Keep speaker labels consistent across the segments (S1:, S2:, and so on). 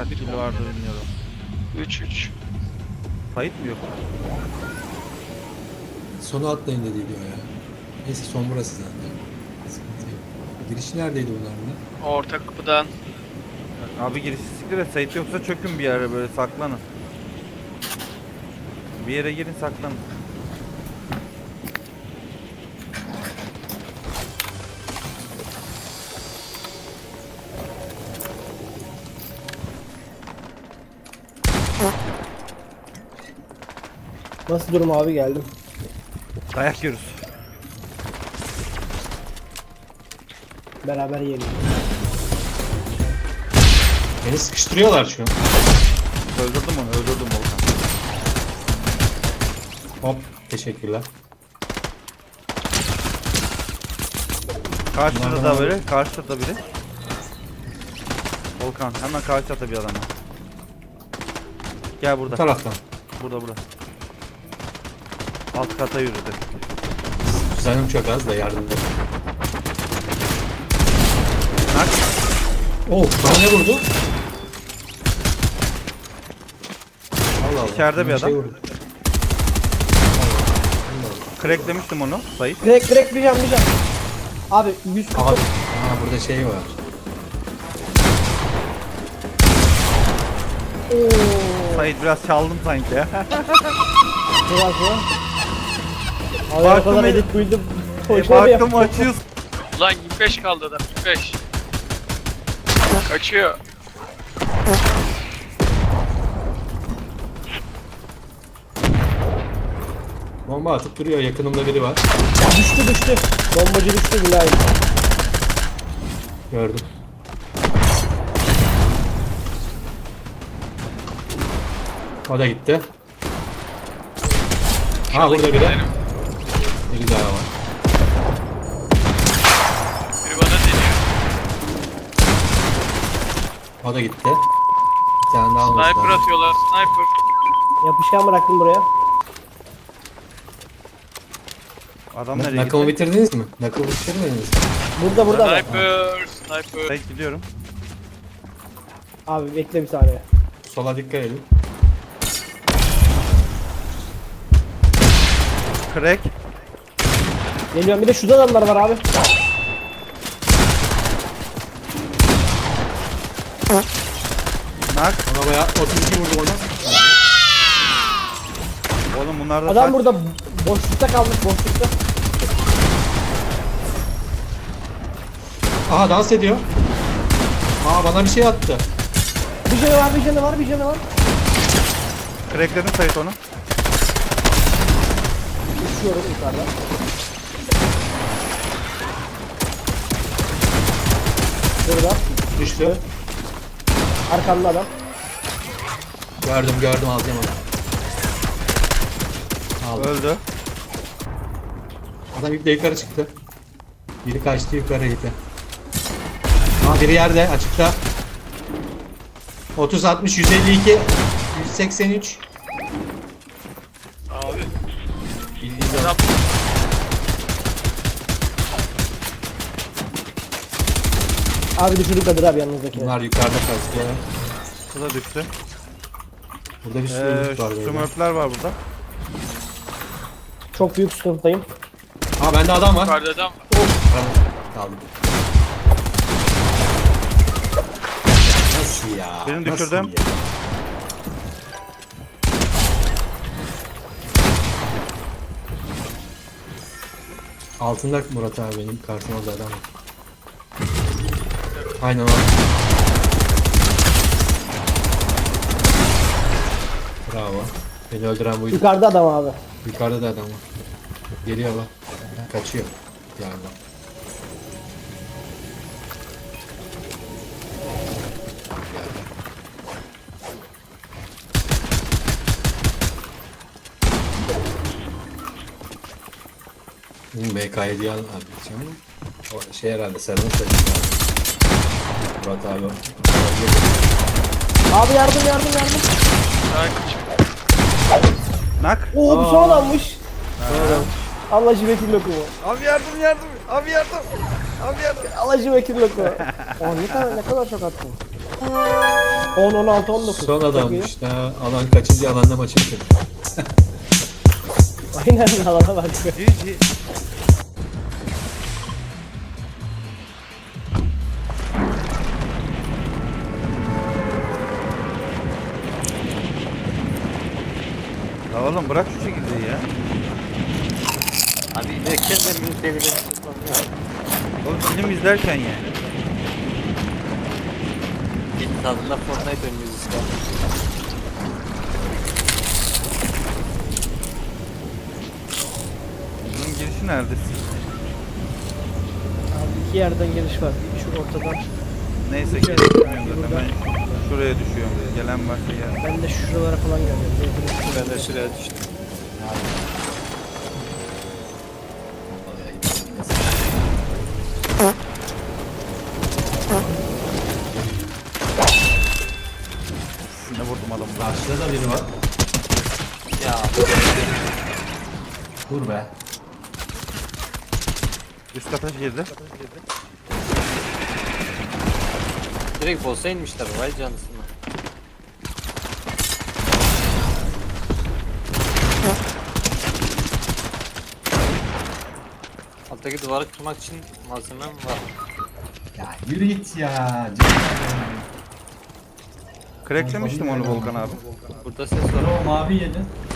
S1: kaç kill vardı bilmiyorum.
S2: 3-3.
S1: Kayıt mı yok?
S3: Sonu atlayın dedi diyor ya. Neyse son burası zaten. Sıkıntı yok. Giriş neredeydi bunların?
S2: Orta kapıdan.
S1: Abi girişi siktir et. Sait yoksa çökün bir yere böyle saklanın. Bir yere girin saklanın.
S4: Nasıl durum abi, geldim.
S1: Dayak yiyoruz.
S4: Beraber yiyelim.
S3: Beni sıkıştırıyorlar şu an.
S1: Öldürdüm onu, öldürdüm Volkan.
S3: Hop, teşekkürler.
S1: Karşıda da biri, karşıda da biri. Volkan hemen karşıda bir adam var. Gel
S3: Bu
S1: burada.
S3: taraftan.
S1: Burada. Alt kata yürüdü.
S3: Canım çok az da yardım et.
S1: Nak.
S3: Oh, bana ne vurdu? Allah Allah.
S1: İçeride bir
S3: Bana şey
S1: adam.
S3: vurdu.
S1: Cracklemiştim onu Sait.
S4: Direkt bir can. Abi 100
S3: Aha, aha, burada şey var.
S1: Sait biraz çaldım sanki ya.
S4: Biraz mı? Abi o
S1: Baktım
S4: kadar
S1: el-
S4: edit build'im.
S1: Baktım açıyoruz.
S2: Ulan 25 kaldı adam. 25. Kaçıyor.
S3: Bomba atıp duruyor. Yakınımda biri var.
S4: Düştü. Bombacı düştü billahi.
S3: Gördüm. O da gitti. Ha burada biri.
S2: Benim.
S3: Biri daha var.
S2: Biri bana deniyor.
S3: O da gitti. Bir tane daha olması
S2: Sniper
S3: lazım.
S2: atıyorlar. Sniper.
S4: Yapışkan bıraktım buraya.
S1: Adam nereye
S3: Knuckle'ı
S1: gitti?
S3: bitirdiniz mi? Knuckle'ı bitirmediniz mi?
S4: Burada adam.
S2: Sniper.
S1: Sait gidiyorum.
S4: Abi bekle bir saniye.
S3: Sola dikkat edin.
S1: Crack.
S4: Geliyorum, bir de şurada adamlar var abi.
S1: Nak.
S3: Ona bayağı 32 vurdum ona.
S1: Oğlum bunlar da
S4: Adam
S1: saç-
S4: burada boşlukta kalmış, boşlukta.
S3: Aha dans ediyor. Aa bana bir şey attı.
S4: Bir canı var.
S1: Crackledim Sait onu.
S4: Düşüyorum yukarıdan. Burada.
S3: Düştü.
S4: Arkamda adam.
S3: Gördüm alacağım onu. Aldım.
S1: Öldü.
S3: Adam iple yukarı çıktı. Biri kaçtı yukarı gitti. Aa biri yerde açıkta. 30 60 152 183.
S2: Abi.
S3: Bildiğiniz
S2: Adam.
S4: Abi düşürdük Kadir abi yanınızdakine.
S3: bunlar yukarıda kaçtı.
S1: Bu da düştü.
S3: Burada bir sürü loot var böyle.
S1: Smurfler var burada.
S4: Çok büyük sıkıntıdayım.
S3: Aa bende adam var.
S2: Yukarıda adam.
S3: Kaldım. Nasıl ya?
S1: Birini
S3: Nasıl
S1: düşürdüm.
S3: ya? Altında Murat abi benim karşımda adam var. Aynen o. Bravo. Beni öldüren buydu.
S4: Yukarıda adam abi.
S3: Yukarıda da adam var. Geliyor bak. Kaçıyor. Yani. BK7'yi al abi. O şey herhalde sarılın saçı. Murat abi.
S4: Abi yardım.
S2: Daha kaçıyor.
S1: Nak.
S4: Oo bir son adammış.
S3: Sonra
S4: Allah civekil lokumu.
S1: Abi yardım. Abi yardım.
S4: Allah civekil lokumu. Oh ne kadar çok attım. 10, 16, 19.
S3: Son
S4: Çok iyi.
S3: adammış. Daha alan kaçıncı alanda maçı bitirdi.
S4: Aynen alana bak.
S1: GG. La oğlum bırak şu çekirdeği ya.
S5: Abi ilerken de bir devire
S1: Oğlum film izlerken yani.
S5: bir tadında Fortnite oynuyoruz işte.
S1: Bunun girişi nerede?
S4: Abi 2 yerden giriş var. Şu ortadan.
S1: Neyse
S4: Bir
S1: ki
S4: burada.
S1: ben şuraya düşüyorum. Gelen varsa gel.
S4: Ben de şuralara falan geldim.
S5: Ben de şuraya düştüm.
S1: Ne vurdum adamı.
S3: Karşıda da biri var.
S5: Ya
S3: Dur be.
S1: Üst kata girdi.
S5: direkt boss'a inmişler vay canısına. Alttaki duvarı kırmak için malzemem var.
S3: Ya yürü git ya.
S1: Cracklemiştim onu Volkan abi.
S5: Burada ses var.
S3: O mavi yedi.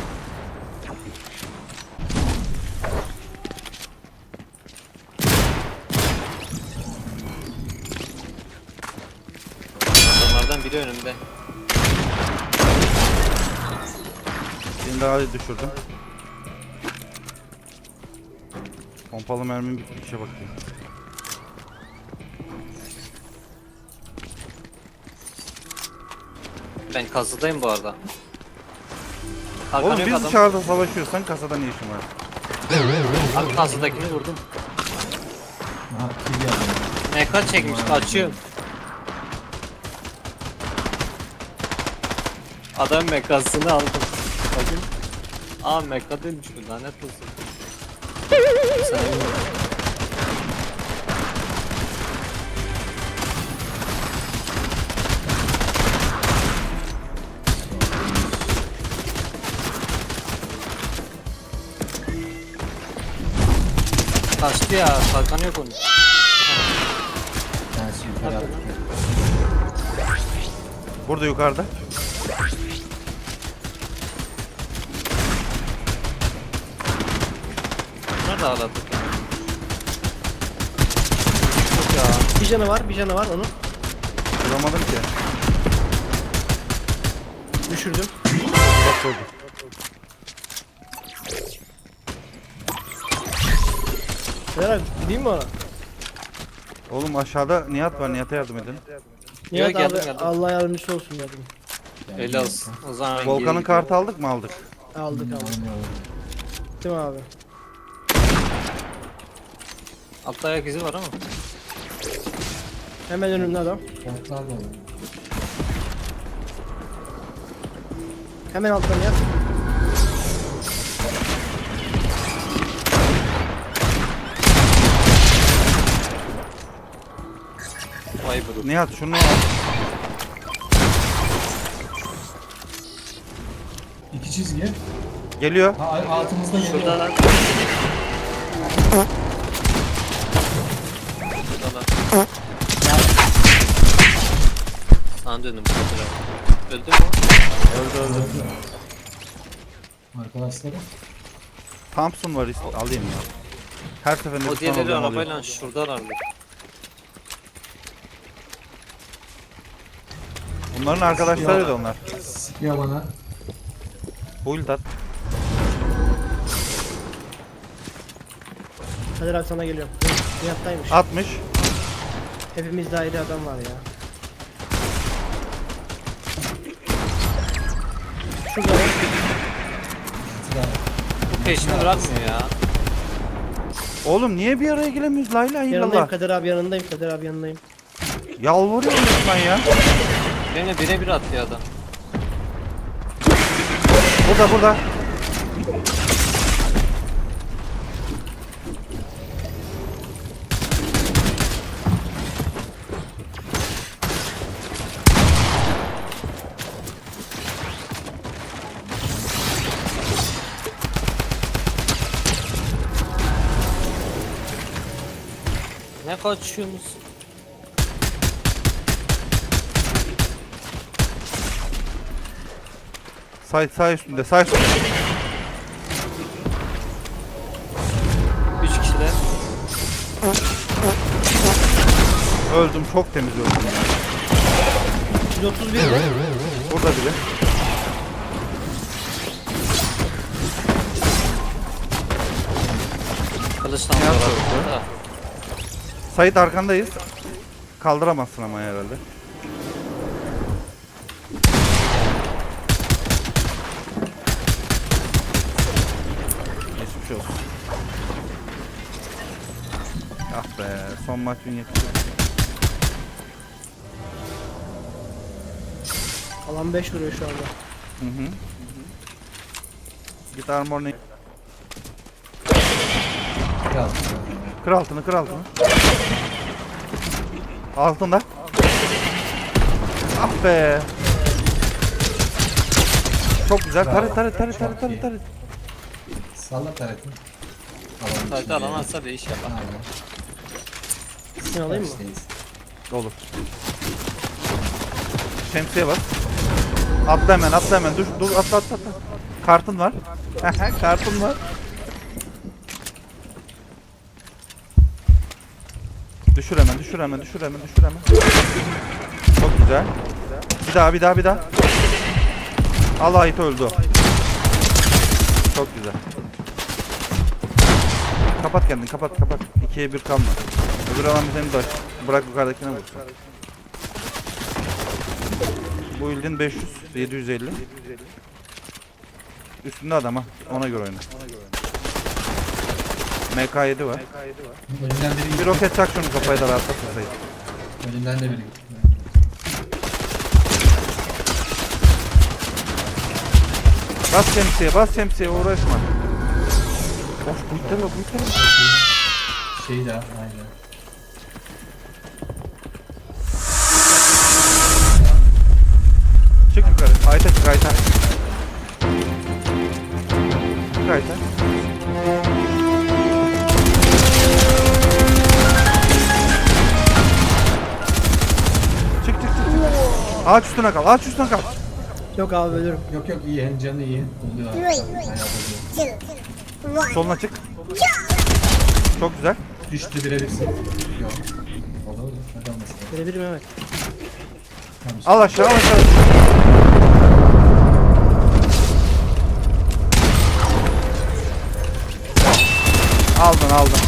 S5: Adamlardan biri önümde.
S1: Birini daha düşürdüm. Pompalı mermim bitmişe bakayım.
S5: Ben kasıdayım bu arada.
S1: Oğlum
S5: Arkan yok
S1: biz
S5: adam.
S1: dışarıda savaşıyorsan kasada ne işin var?
S5: Abi kasıdakini vurdum.
S3: Aha kill geldi.
S5: MK çekmiş açıyorum. Adam mekasını aldım. Bakın. Aa meka değilmiş bu lanet olsun. Sen kaçtı ya, kalkanı yok onun.
S3: Ben yukarı attım.
S1: Burada yukarıda.
S5: Nerede ağladık? Yok ya.
S4: Bir canı var, bir canı var onun.
S1: Vuramadım ki.
S4: Düşürdüm.
S1: Bak oldu.
S4: Beyler gideyim mi ona?
S1: Oğlum aşağıda Nihat var. Nihat'a yardım edin.
S4: Nihat abi
S5: geldim.
S4: Allah yardımcısı olsun dedim.
S5: Öyle olsun. O zaman ben
S1: Volkan'ın
S5: geri
S1: kartı aldık mı aldık?
S4: Aldık. Değil mi abi?
S5: altta ayak izi var ama.
S4: Hemen önümde adam.
S3: Kartlar da var.
S4: Hemen alttan yat.
S5: Vay bro.
S1: Nihat şunu al.
S3: İki çizgi.
S1: Geliyor.
S3: Ha, altımızda geliyor.
S5: Şurada lan. Şurada lan. Sana döndüm. Öldü mü o?
S1: Öldü.
S3: Arkadaşları.
S1: Thompson var alayım ya. Her seferinde
S5: O
S1: bir
S5: diğerleri
S1: alıyorum.
S5: arabayla şuradalardı.
S1: Bunların arkadaşlarıydı onlar.
S3: Sıkıyor bana.
S1: Build at.
S4: Kadir abi sana geliyorum. Nihat'taymış.
S1: 60.
S4: Hepimizde ayrı adam var ya. Şurada var.
S5: Bu peşini bırakmıyor ya.
S1: Oğlum niye bir araya gelemiyoruz? La ilahe
S4: Yanındayım
S1: illallah.
S4: Kadir abi yanındayım. Kadir abi yanındayım.
S1: Yalvarıyorum resmen ya.
S5: Benimle birebir attı adam.
S1: Burada.
S5: Ne kaçıyorsunuz?
S1: Sağ üstünde, sağ üstünde.
S5: 3 kişiler.
S1: Öldüm, çok temiz öldüm.
S4: 131 mi?
S1: Burada biri.
S5: Kılıçtan
S1: Yap
S5: vuralım. Da.
S1: Sait arkandayız. Kaldıramazsın ama herhalde. Geçmiş olsun. Ah be, son maç gün yetişiyor.
S4: Alan 5 vuruyor şu anda.
S1: Hı hı. Git armorunu.
S3: Biraz.
S1: Kır altını, kır altını. Altında. Ah be. Çok güzel. Taret.
S3: Salla taretini.
S5: Sadece alamazsa değiş yapar.
S3: Aynen.
S4: Seni alayım mı?
S3: Karşıdayız.
S1: Olur. Şemsiye bas. Atla hemen. Dur atla. Kartın var. Kartın var. Düşür hemen. Çok güzel. Bir daha. Allah ait öldü. o. Çok güzel. Kapat kendini, kapat. 2'ye 1 kalma. Öbür alan seni de aç. Bırak yukarıdakine vursun. Bu ildin 500, 750. Üstünde adam ha. Ona göre oyna. MK7 var.
S3: Önünden biri
S1: Bir roket çak şunu kafaya da rahatlat Sait.
S3: Önünden de biri.
S1: Bas şemsiye uğraşma. Of bu itleme.
S3: Şey de aynen.
S1: Çık yukarı. Ayta çık ayta. Çık ayta. Çık. Ağaç üstüne kal.
S4: Yok abi ölürüm.
S3: Yok iyi hem canı iyi. Oluyor. Bayağı oluyor.
S1: Soluna çık. Çok güzel.
S3: Düştü birebirsin. Yok. Olur. Hadi olmasın.
S4: Birebir Mehmet.
S3: Tamam.
S1: Al aşağı. Aldın.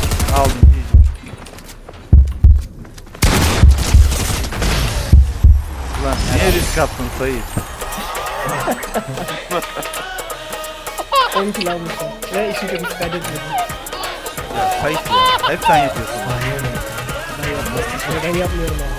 S1: Ulan niye risk attın Sayit?
S4: 10 kill almışım. Ve işin kötüsü kaydetmedim.
S1: Sayit ya. Hep sen yapıyorsun.
S3: Aynen öyle.
S4: Ben yapmıyorum yani.